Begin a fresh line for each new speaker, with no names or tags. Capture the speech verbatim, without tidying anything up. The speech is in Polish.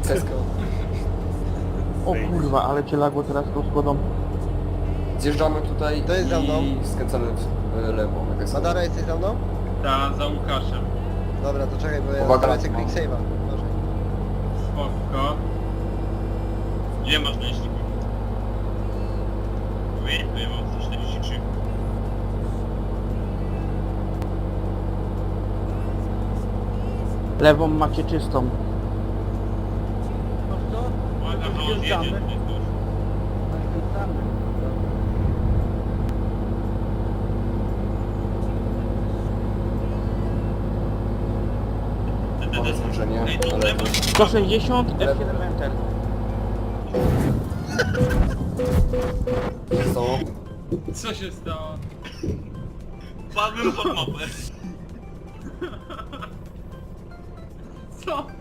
Tesco.
O kurwa, ale cię lagło teraz tą składą.
Zjeżdżamy tutaj
To jest za mną.
i skręcamy w w lewo. jak jest.
Madara, jesteś za mną?
Ta, za Łukaszem.
Dobra, to czekaj, bo ja
Uwaga,
lecę
mam.
quick save'a. Może.
Spoko. Ile masz na liczniku? Mówię? To ja mam sto czterdzieści trzy.
Lewą macie czystą.
Uwaga, że on jedzie. nie zdąży.
Mamy zbliżenie.
Ej, tu
na
w lewo.
lewo.
sto sześćdziesiąt, F siedem Enter.
Co?
Co się stało? Padłem pod mapę. Co?